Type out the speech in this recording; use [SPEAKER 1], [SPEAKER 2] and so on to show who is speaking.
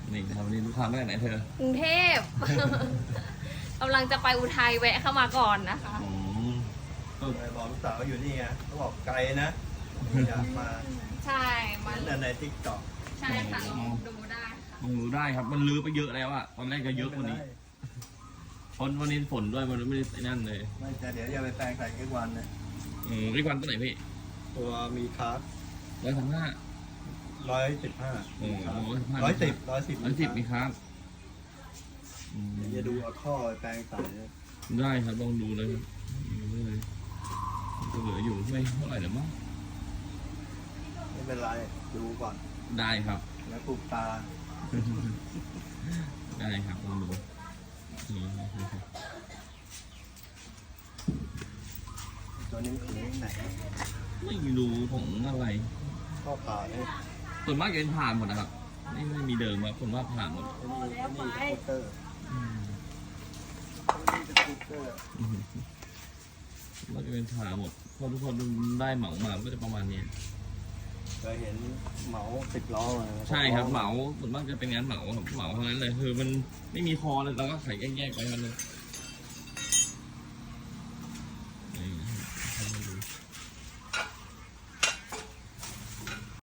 [SPEAKER 1] นี่ครับวันนี้ลูกค้ามาจากไหนเธอก
[SPEAKER 2] รุงเทพ กำลังจะไปอุทัยแวะเข้ามาก่อนนะคะ
[SPEAKER 1] อืมก็
[SPEAKER 3] บอกลูกสาวอยู่นี่ไงเขาบอกไกลนะอยากมา
[SPEAKER 2] ใช่มา
[SPEAKER 3] นั่นในทิกตอก
[SPEAKER 2] ใช่ค่ะลองดูได้ค่ะ
[SPEAKER 1] ลองดูได้ครับ มันลือไปเยอะแล้วอะตอนแรกก็เยอะกว่านี้เพราะวันนี้ฝนด้วยมันไม่ได้ไอ้นั่นเลย
[SPEAKER 3] ไม่จะเดี๋ยวจะไปแปลงใส่ทุกวันเนี่ย
[SPEAKER 1] อีกวันตัวไหนพี่
[SPEAKER 3] ตัวมีคาร์บ
[SPEAKER 1] 135
[SPEAKER 3] 115
[SPEAKER 1] โอ้โห
[SPEAKER 3] 110
[SPEAKER 1] มีครับ
[SPEAKER 3] เดี๋ยวจะดูเอาท่อไปแปลงใส่เนี่ย
[SPEAKER 1] ได้ครับลองดูเลยครับดูเลยก็เหลืออยู่ไม่เท่าไหร่หรอกมั้ง
[SPEAKER 3] ไม่เป็นไรดูก่อน
[SPEAKER 1] ได้ครับ
[SPEAKER 3] แล้วปลูกตา
[SPEAKER 1] ได้ครับลองดูนี่
[SPEAKER 3] ตัวนี้คือไหน
[SPEAKER 1] ไม่รู้ของอะไร
[SPEAKER 3] ข้อผ่าเนี่ย
[SPEAKER 1] ส่วนมากจะเป็นผ่านหมดนะครับไม่มีเดิมครับส่วนมากผ่านหมด
[SPEAKER 3] นี่สกูตเตอร์
[SPEAKER 1] อืม
[SPEAKER 3] นี่สกูตเตอร์
[SPEAKER 1] ก็จะเป็นผ่านหมดเพราะทุกคนได้เหมามาก็จะประมาณนี้
[SPEAKER 3] เคยเห็นเหมา10 ล้อมา
[SPEAKER 1] ใช่ครับเหมาส่วนมากจะเป็นงานเหมาครับเหมาเท่านั้นเลยคือมันไม่มีคอเลยเราก็ขายแยกๆไปมันเลย